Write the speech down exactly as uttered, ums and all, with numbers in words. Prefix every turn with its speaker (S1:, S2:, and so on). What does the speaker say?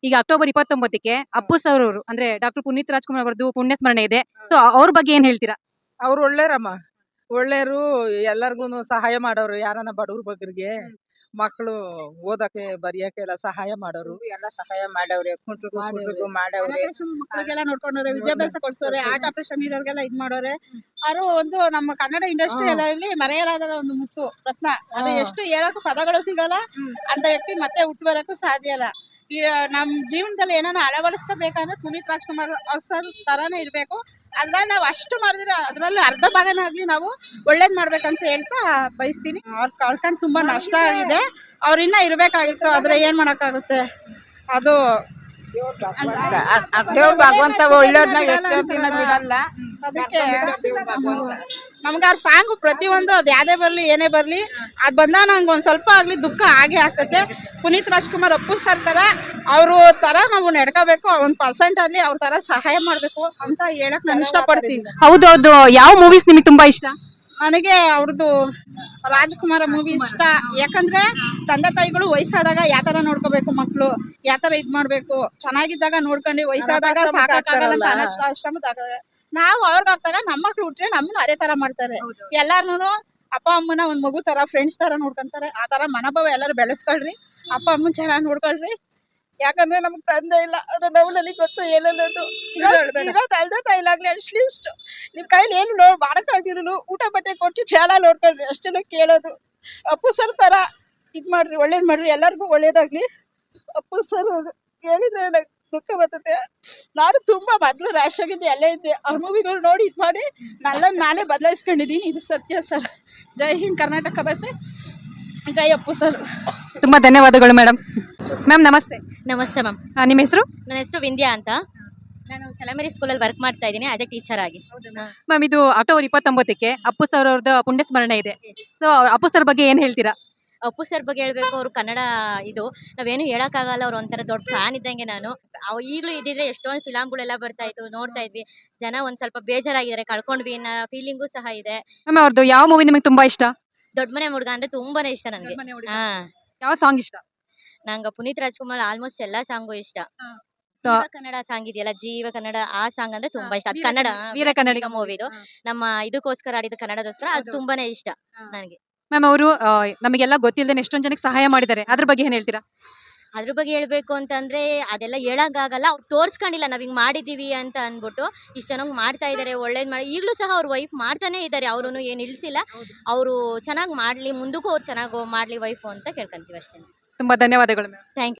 S1: ಈಗ ಅಕ್ಟೋಬರ್ ಇಪ್ಪತ್ತೊಂಬತ್ತಕ್ಕೆ ಅಪ್ಪು ಸರ್ ಅವರು ಅಂದ್ರೆ ಡಾಕ್ಟರ್ ಪುನೀತ್ ರಾಜ್ಕುಮಾರ್ ಅವರದ್ದು ಪುಣ್ಯ ಸ್ಮರಣೆ ಇದೆ. ಸೊ ಅವ್ರ ಬಗ್ಗೆ ಏನ್ ಹೇಳ್ತೀರಾ?
S2: ಅವ್ರು ಒಳ್ಳೇರಮ್ಮ, ಒಳ್ಳೇರು. ಎಲ್ಲರಿಗೂ ಸಹಾಯ ಮಾಡೋರು, ಯಾರನ್ನ ಬಡವ್ರ ಬಗ್ಗರಿಗೆ ಮಕ್ಕಳು ಓದಕ್ಕೆ ಬರೆಯಕ್ಕೆ ಎಲ್ಲ ಸಹಾಯ ಮಾಡೋರು.
S3: ಎಲ್ಲ ಸಹಾಯ ಮಾಡವ್ರೆ, ಕುಂಟ್ರಿಗೂ
S2: ಮಾಡವ್ರೆ.
S3: ಕುಂಟ್ರಿಗೂ ಮಾಡವ್ರೆ.
S4: ಮಕ್ಕಳಿಗೆಲ್ಲ ನೋಡ್ಕೊಂಡವ್ರೆ, ವಿದ್ಯಾಭ್ಯಾಸ ಕೊಡ್ಸೋರೆ, ಆರ್ಟ್ ಆಪರೇಷನ್ ಇರೋರ್ಗೆಲ್ಲ ಇದ್ ಮಾಡೋರೆ. ಅವರು ಒಂದು ನಮ್ಮ ಕನ್ನಡ ಇಂಡಸ್ಟ್ರಿಯಲ್ಲಿ ಮರೆಯಲಾದ ಒಂದು ಮುತ್ತು ರತ್ನ. ಅದು ಎಷ್ಟು ಹೇಳಕ್ಕೂ ಪದಗಳು ಸಿಗಲ್ಲ. ಅಂತ ವ್ಯಕ್ತಿ ಮತ್ತೆ ಹುಟ್ಟು ಬರಕ್ಕೂ ಸಾಧ್ಯ ಇಲ್ಲ. ಈ ನಮ್ ಜೀವನದಲ್ಲಿ ಏನಾನ ಅಳವಡಿಸ್ಕೋಬೇಕಂದ್ರೆ ಪುನೀತ್ ರಾಜ್ಕುಮಾರ್ ಅವ್ರ ಸರ್ ತರಾನೇ ಇರ್ಬೇಕು. ಅದ್ರಲ್ಲಿ ನಾವು ಅಷ್ಟು ಮಾಡಿದ್ರೆ ಅದ್ರಲ್ಲಿ ಅರ್ಧ ಭಾಗನಾಗ್ಲಿ ನಾವು ಒಳ್ಳೇದ್ ಮಾಡ್ಬೇಕಂತ ಹೇಳ್ತಾ ಬಯಸ್ತೀನಿ. ಅವ್ರ ಕಳ್ಕೊಂಡ್ ತುಂಬಾ ನಷ್ಟ ಆಗಿದೆ. ಅವ್ರ ಇನ್ನ ಇರ್ಬೇಕಾಗಿತ್ತು, ಆದ್ರೆ ಏನ್ ಮಾಡಕ್ಕಾಗುತ್ತೆ. ಅದು
S3: ದೇವ್ರ ಭಗವಂತ ಒಳ್ಳೆಯವ್ರನ್ನ ಎಷ್ಟೋ ದಿನ ಬಿಡಲ್ಲ.
S4: ಅದಕ್ಕೆ ನಮ್ಗೆ ಅವ್ರ ಸಾಂಗ್ ಪ್ರತಿಯೊಂದು ಅದ್ ಯಾವ್ದೇ ಬರ್ಲಿ ಏನೇ ಬರ್ಲಿ ಅದ್ ಬಂದ ನಂಗೆ ಒಂದ್ ಸ್ವಲ್ಪ ಆಗ್ಲಿ ದುಃಖ ಆಗೇ ಆಗ್ತದೆ. ಪುನೀತ್ ರಾಜ್ಕುಮಾರ್ ಅಪ್ಪು ಸರ್ ತರ ಅವ್ರು ತರ ನಾವು ನಡ್ಕೋಬೇಕು. ಒಂದ್ ಪರ್ಸೆಂಟ್ ಅಲ್ಲಿ ಅವ್ರ ತರ ಸಹಾಯ ಮಾಡ್ಬೇಕು ಅಂತ ಹೇಳಕ್ ನಾನು ಇಷ್ಟಪಡ್ತೀನಿ.
S1: ಹೌದೌದು. ಯಾವ ಮೂವೀಸ್ ನಿಮಗೆ ತುಂಬಾ ಇಷ್ಟ?
S4: ನನಗೆ ಅವ್ರದ್ದು ರಾಜ್ಕುಮಾರ ಮೂವಿ ಇಷ್ಟ. ಯಾಕಂದ್ರೆ ತಂದೆ ತಾಯಿಗಳು ವಯಸ್ಸಾದಾಗ ಯಾತರ ನೋಡ್ಕೋಬೇಕು, ಮಕ್ಳು ಯಾತರ ಇದ್ ಮಾಡ್ಬೇಕು, ಚೆನ್ನಾಗಿದ್ದಾಗ ನೋಡ್ಕೊಂಡು ವಯಸ್ಸಾದಾಗ ಸಾಕಾಗಲ್ಲ ಆಶ್ರಮದಾಗ ನಾವು ಅವ್ರಿಗೆ ಆಗ್ತಾಗ ನಮ್ಮ ಮಕ್ಳು ಹುಟ್ರೆ ನಮ್ಮನ್ನ ಅದೇ ತರ ಮಾಡ್ತಾರೆ. ಎಲ್ಲಾರ್ನು ಅಪ್ಪ ಅಮ್ಮನ ಒಂದ್ ಮಗು ತರ ಫ್ರೆಂಡ್ಸ್ ತರ ನೋಡ್ಕೊಂತಾರೆ. ಆ ತರ ಮನೋಭಾವ ಎಲ್ಲರೂ ಬೆಳೆಸ್ಕೊಳ್ರಿ. ಅಪ್ಪ ಅಮ್ಮನ್ ಚೆನ್ನಾಗಿ ನೋಡ್ಕೊಳ್ರಿ. ಯಾಕಂದ್ರೆ ನಮ್ಗ್ ತಂದೆ ಇಲ್ಲ, ಅದ್ರ ನೋವಲ್ಲಿ ಗೊತ್ತು ಏನನ್ನೋದು. ಇರೋ ತಂದೆ ತಾಯಿಲಾಗ್ಲಿ ಅಟ್ಲೀಸ್ಟ್ ನಿಮ್ ಕೈಲಿ ಏನು ನೋ ಮಾಡಕ್ಕಾಗಿರಲು ಊಟ ಬಟ್ಟೆ ಕೊಟ್ಟು ಚಾಲ ನೋಡ್ಕೊಳ್ರಿ, ಅಷ್ಟೆಲ್ಲ ಕೇಳೋದು. ಅಪ್ಪು ಸರ್ ತರ ಇದ್ ಮಾಡ್ರಿ, ಒಳ್ಳೇದ್ ಮಾಡ್ರಿ, ಎಲ್ಲರಿಗೂ ಒಳ್ಳೇದಾಗ್ಲಿ. ಅಪ್ಪು ಸರ್ ಹೇಳಿದ್ರೆ ನಂಗೆ ದುಃಖ ಬರ್ತದೆ. ನಾನು ತುಂಬಾ ಮೊದ್ಲು ರ್ಯಾಶ್ ಆಗಿದ್ದೆ, ಎಲ್ಲ ಇದ್ದೆ. ಅವ್ರ ಮೂವಿಗಳು ನೋಡಿ ಇದ್ ಮಾಡಿ ನನ್ನ ನಾನೇ ಬದಲಾಯಿಸ್ಕೊಂಡಿದ್ದೀನಿ. ಇದು ಸತ್ಯ ಸರ್. ಜೈ ಹಿಂದ್ ಕರ್ನಾಟಕ ಬರುತ್ತೆ. ಜೈ ಅಪ್ಪು ಸರ್.
S1: ತುಂಬಾ ಧನ್ಯವಾದಗಳು ಮೇಡಮ್. ಮ್ಯಾಮ್ ನಮಸ್ತೆ.
S5: ನಮಸ್ತೆ ಮ್ಯಾಮ್.
S1: ನಿಮ್ಮ ಹೆಸರು?
S5: ನನ್ನ ಹೆಸರು ವಿಂದ್ಯಾ ಅಂತ. ನಾನು ಚಲಮೇರಿ ಸ್ಕೂಲಲ್ಲಿ ವರ್ಕ್ ಮಾಡ್ತಾ ಇದ್ದೀನಿ ಆಸ್ ಎ ಟೀಚರ್ ಆಗಿ.
S1: ಮ್ಯಾಮ್ ಇದು ಅಕ್ಟೋಬರ್ ಇಪ್ಪತ್ತೊಂಬತ್ತಕ್ಕೆ ಅಪ್ಪು ಸರ್ ಅವ್ರದ್ದು ಪುಣ್ಯ ಸ್ಮರಣೆ ಇದೆ. ಸೊ ಅಪ್ಪು ಸರ್ ಬಗ್ಗೆ ಏನ್ ಹೇಳ್ತೀರಾ?
S5: ಅಪ್ಪು ಸರ್ ಬಗ್ಗೆ ಹೇಳ್ಬೇಕು, ಅವರು ಕನ್ನಡ ಇದು ನಾವೇನು ಹೇಳಕ್ಕಾಗಲ್ಲ. ಅವ್ರು ಒಂಥರ ದೊಡ್ಡ ಫ್ಯಾನ್ ಇದ್ದಂಗೆ ನಾನು. ಅವ್ ಈಗಲೂ ಇದ್ದಿದ್ರೆ ಎಷ್ಟೊಂದು ಫಿಲಮ್ಗಳೆಲ್ಲ ಬರ್ತಾ ಇತ್ತು, ನೋಡ್ತಾ ಇದ್ವಿ. ಜನ ಒಂದ್ ಸ್ವಲ್ಪ ಬೇಜಾರಾಗಿದ್ದಾರೆ, ಕಳ್ಕೊಂಡ್ವಿ ಅನ್ನೋ ಫೀಲಿಂಗು ಸಹ ಇದೆ.
S1: ಮ್ಯಾಮ್ ಅವ್ರದ್ದು ಯಾವ ಮೂವಿ ನಿಮಗೆ ತುಂಬಾ ಇಷ್ಟ?
S5: ದೊಡ್ಡ ಮನೆ ಹುಡುಗ ಅಂದ್ರೆ ತುಂಬಾನೇ ಇಷ್ಟ ನನಗೆ. ಹಾ,
S1: ಯಾವ ಸಾಂಗ್ ಇಷ್ಟ?
S5: ನಂಗೆ ಪುನೀತ್ ರಾಜ್ಕುಮಾರ್ ಆಲ್ಮೋಸ್ಟ್ ಎಲ್ಲಾ ಸಾಂಗು ಇಷ್ಟ.
S1: So-
S5: ಜೀವ ಕನ್ನಡ ಸಾಂಗ್ ಇದೆಯಲ್ಲ, ಜೀವ ಕನ್ನಡ, ಆ ಸಾಂಗ್ ಅಂದ್ರೆ ತುಂಬಾ ಇಷ್ಟ. ಅದು
S1: ವೀರ
S5: ಕನ್ನಡ
S1: ಕನ್ನಡ- ವೀರ ಕನ್ನಡಿಗ
S5: ಮೂವಿದು ನಮ್ಮ ಇದಕ್ಕೋಸ್ಕರ ಆಡಿದ ಕನ್ನಡದೋಸ್ಕರ ಅದು ತುಂಬಾನೇ ಇಷ್ಟ ನನಗೆ.
S1: ಮ್ಯಾಮ್ ಅವರು ನಮಗೆಲ್ಲ ಗೊತ್ತಿಲ್ಲದೆ ಎಷ್ಟೊಂದ್ ಜನಕ್ಕೆ ಸಹಾಯ ಮಾಡಿದ್ದಾರೆ, ಅದ್ರ ಬಗ್ಗೆ ಏನ್ ಹೇಳ್ತೀರಾ?
S5: ಅದ್ರ ಬಗ್ಗೆ ಹೇಳ್ಬೇಕು ಅಂತಂದ್ರೆ ಅದೆಲ್ಲ ಹೇಳಕ್ಕಾಗಲ್ಲ. ಅವ್ರು ತೋರ್ಸ್ಕೊಂಡಿಲ್ಲ ನಾವ್ ಹಿಂಗ್ ಮಾಡಿದೀವಿ ಅಂತ ಅನ್ಬಿಟ್ಟು. ಇಷ್ಟ ಚೆನ್ನಾಗಿ ಮಾಡ್ತಾ ಇದಾರೆ, ಒಳ್ಳೇದ್ ಮಾಡಿ. ಈಗಲೂ ಸಹ ಅವ್ರ ವೈಫ್ ಮಾಡ್ತಾನೆ ಇದಾರೆ, ಅವ್ರು ಏನ್ ನಿಲ್ಸಿಲ್ಲ. ಅವರು ಚೆನ್ನಾಗಿ ಮಾಡ್ಲಿ, ಮುಂದಕ್ಕೂ ಅವ್ರು ಚೆನ್ನಾಗಿ ಮಾಡ್ಲಿ ವೈಫ್ ಅಂತ ಕೇಳ್ಕೊಂತೀವಿ ಅಷ್ಟೇ.
S1: ತುಂಬಾ ಧನ್ಯವಾದಗಳು ಮ್ಯಾಮ್.
S5: Thank you.